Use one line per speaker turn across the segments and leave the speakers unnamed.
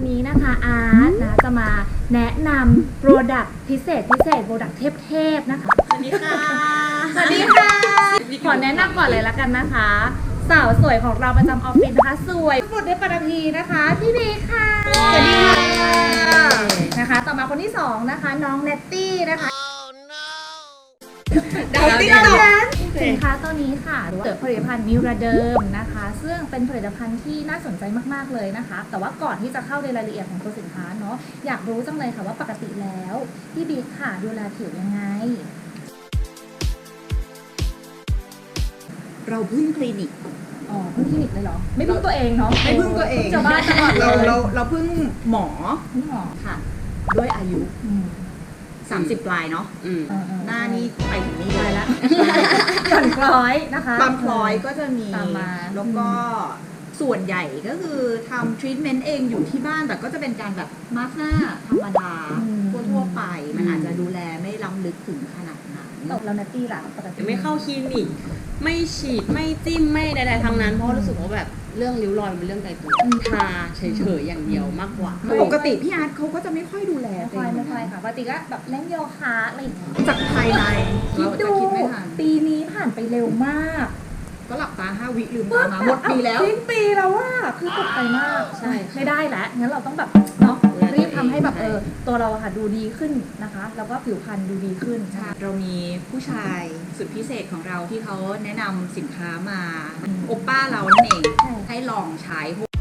วันนี้นะคะอาร์ตนะจะมาแนะนำโปรดักต์พิเศษโปรดักต์เทพๆนะคะ
สวัสดีค่ะ
สวัสดีค่ะขอแนะนำก่อนเลยละกันนะคะสาวสวยของเราประจำออฟฟิศนะคะสวยสุดในปัตตภีนะคะพี่บีค่ะสวัสดีค่ะนะคะต่อมาคนที่2นะคะน้องเนตตี้นะคะดาวติ๊กต็อกสินค้าตัวนี้ค่ะเกิดผลิตภัณฑ์นิวราเดิมนะคะซึ่งเป็นผลิตภัณฑ์ที่น่าสนใจมากๆเลยนะคะแต่ว่าก่อนที่จะเข้าในรายละเอียดของตัวสินค้าเนาะอยากรู้จังเลยค่ะว่าปกติแล้วพี่บิ๊กค่ะดูแลผิวยังไง
เราพึ่งคลินิก
อ๋อพึ่งคลินิกเลยเหรอไม่พึ่งตัวเองเนาะ
ไม่พึ่งตัวเอง
จะบ้าตลอดเลย
เราพึ่งหมอ
พึ่งหมอ
ค่ะ ด้วยอายุ 30 ปลายเนาะ หน้านี้ไปถึงนี่
ไป
เลย
แล้วก่อนคล้อยนะคะ
บางพลอยก็จะมี
ตามมา
แล้วก็ส่วนใหญ่ก็คือทำทรีทเมนต์เองอยู่ที่บ้านแต่ก็จะเป็นการแบบมาสก์หน้าธรรมดาทั่วๆไปมันอาจจะดูแลไม่ล้ำลึกถึงขนาดนั้น
ตกแล้วนัตตี้ล่ะปกติ
ไม่เข้าคลินิกไม่ฉีดไม่จิ้มไม่ใดๆทั้งนั้นเพราะรู้สึกว่าแบบเรื่องริ้วรอยมันเป็นเรื่องไกลตัวทาเฉยๆอย่างเดียวมากกว่า
ปกติพี่อาร์ตเขาก็จะไม่ค่อยดูแล
ไม่ค่อยค่ะปกติก็แบบเล่นโยคะอะไรอย่างเงี้ย
จากภายใน
คิด
เราจะ
ดู
คิดไม่ทัน
ปีนี้ผ่านไปเร็วมาก
ก็หลับตา5 วิลืมตามาหมดปีแล้ว
สิ้นปีแล้วว่าคือตกใจมาก
ใช่
ไม่ได้แล้วงั้นเราต้องแบบเนาะรีบทำให้แบบตัวเราอะค่ะดูดีขึ้นนะคะแล้วก็ผิวพรรณดูดีขึ้น
เรามีผู้ชายสุดพิเศษของเราที่เขาแนะนำสินค้ามาโอป้าเรานั่นเอง ให้ลองใช้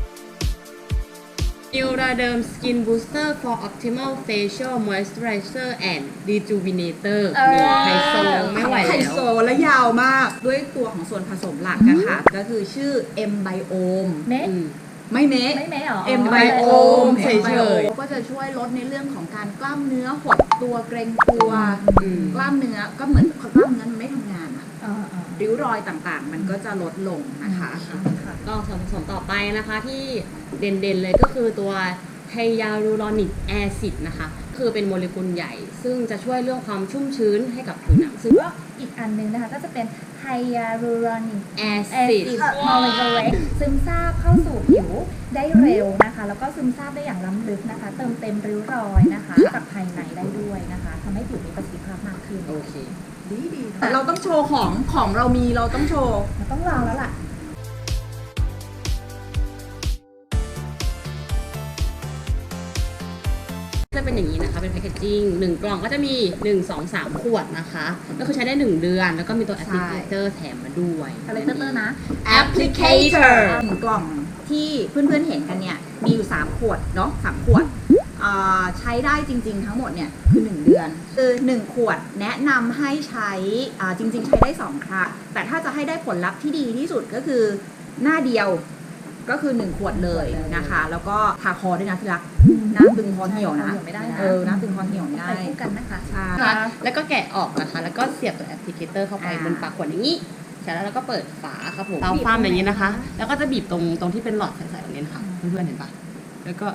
นิวราเดิม Skin Booster for Optimal Facial Moisturizer and Rejuvenator ไฮโซไม่ไหว
ไฮ
แล้
โซ
ว
และยาวมาก ด้วยตัวของส่วนผสมหลักนะคะก็คือชื่อ M Biome
เมะ
ไม่เมะ
ไม่เมะหรอ
M Biome
เฉยๆ
ก็จะช่วยลดในเรื่องของการกล้ามเนื้อหดตัวเกร็งตัว กล้ามเนื้อก็เหมือนกล้ามเนื้อมันไม่ทำงานอะริ้วรอยต่างๆ มันก็จะลดลงนะคะ
ก็ส่วนผสมต่อไปนะคะที่เด่นๆเลยก็คือตัวไฮยาลูรอนิกแอซิดนะคะคือเป็นโมเลกุลใหญ่ ซึ่งจะช่วยเรื่องความชุ่มชื้นให้กับผิวหนังซึ่ง
ก็อีกอันนึงนะคะก็จะเป็นไฮยาลูรอนิก
แอ
แอ
ซิด
ซิดโมเลกุลเล็กซึมซาบเข้าสู่ผิวได้เร็วนะคะแล้วก็ซึมซาบได้อย่างล้ำลึกนะคะเติมเต็มริ้วรอยนะคะจากภายในได้ด้วยนะคะทำให้ผิวมีประสิทธิภาพมากขึ้น
โอเค
ดีเราต้องโชว์ของเรามีเราต้องโชว์
เราต้องลองแล้วล่ะ
จะเป็นอย่างนี้นะคะเป็นแพคเกจจิ้ง1 กล่องก็จะมี 1 2 3 ขวดนะคะก็คือใช้ได้ 1 เดือน แล้วก็มีตัวแอปพลิเคเตอร์แถมมาด้วย
อะไรเตอร์นะ
Applicator 1 กล่องที่เพื่อนๆเห็นกันเนี่ยมีอยู่3 ขวดเนาะ3 ขวดใช้ได้จริงๆทั้งหมดเนี่ยคือ1 เดือนคือ1 ขวดแนะนำให้ใช้จริงๆใช้ได้2 ครั้งแต่ถ้าจะให้ได้ผลลัพธ์ที่ดีที่สุดก็คือหน้าเดียวก็คือ1 ขวดเลยนะคะแล้วก็ทาคอด้วยนะที่รักหน้าตึงคอเหี่ยวนะ
ไม่ได้นะ
หน้าตึงคอเหี่ยวไม่ได้
ไปคู่กันนะคะ
ใช่
แล้วก็แกะออกนะคะ แล้วก็เสียบตัวแอปพลิเคเตอร์เข้าไปบนปากขวดอย่างนี้เสร็จแล้วเราก็เปิดฝาครับผมเราความอย่างนี้นะคะ แล้วก็จะบีบตรงที่เป็นหลอดใสๆตรงนี้นะคะเพื่อนๆเห็นปะแล้วก็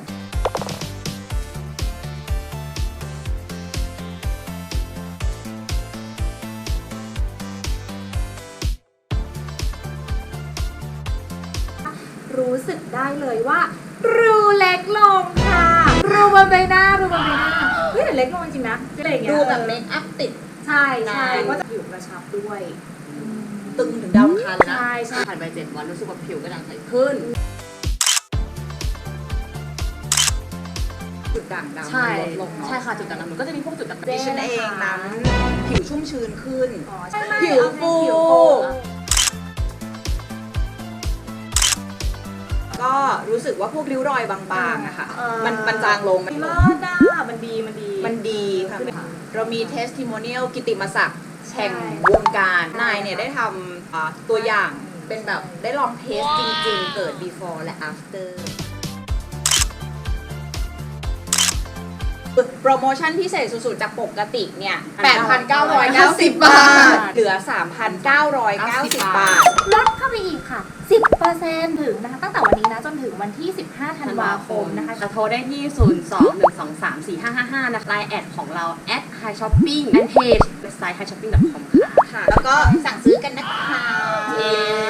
รู้สึกได้เลยว่ารูเล็กลงค่ะรูบนใบหน้าเฮ้ยแต่เล็กลงจริงๆนะอะไรอย่างเงี้ย
ดูแบบเมคอัพติด
ใช่ก็จะผิวกระชับด้วย
ตึงถึงดาวอังคารเลยนะ
ใช่
ผ่านไป7 วันรู้สึกว่าผิวกระจ่างใสขึ้น
จุดด่างดำ
ใช่
ลดลงเนาะ
ใช่ค่ะจุดด่างดำมันก็จะมีพวกจุดด่าง
ดิฉันเองนั้นผิวชุ่มชื้นขึ้น
ใช่
ผิวฟู ก็รู้สึกว่าพวกริ้วรอยบางๆอะค่ะมันจางลง
มันเลิศอ่ะมันดี
ค่ะเรามีเทสติโมเนียลกิตติมศักดิ์แห่งวงการนายเนี่ยได้ทำตัวอย่างเป็นแบบได้ลองเทสจริงๆ เกิด before และ after โปรโมชั่นพิเศษสุดๆ จากปกติเนี่ย 8,990 บาท เหลือ 3,990 บาท
ลดเข้าไปอีกค่ะ 10% ถึงนะคะตั้งแต่วันนี้นะจนถึงวันที่ 15 ธันวาคมนะคะ
จะโทรได้ที่ 02-123-4555 นะคะไลน์แอดของเรา @highshopping and page website highshopping.com ค่ะ
ค่ะ แล้วก็สั่งซื้อกันนะคะ
เย้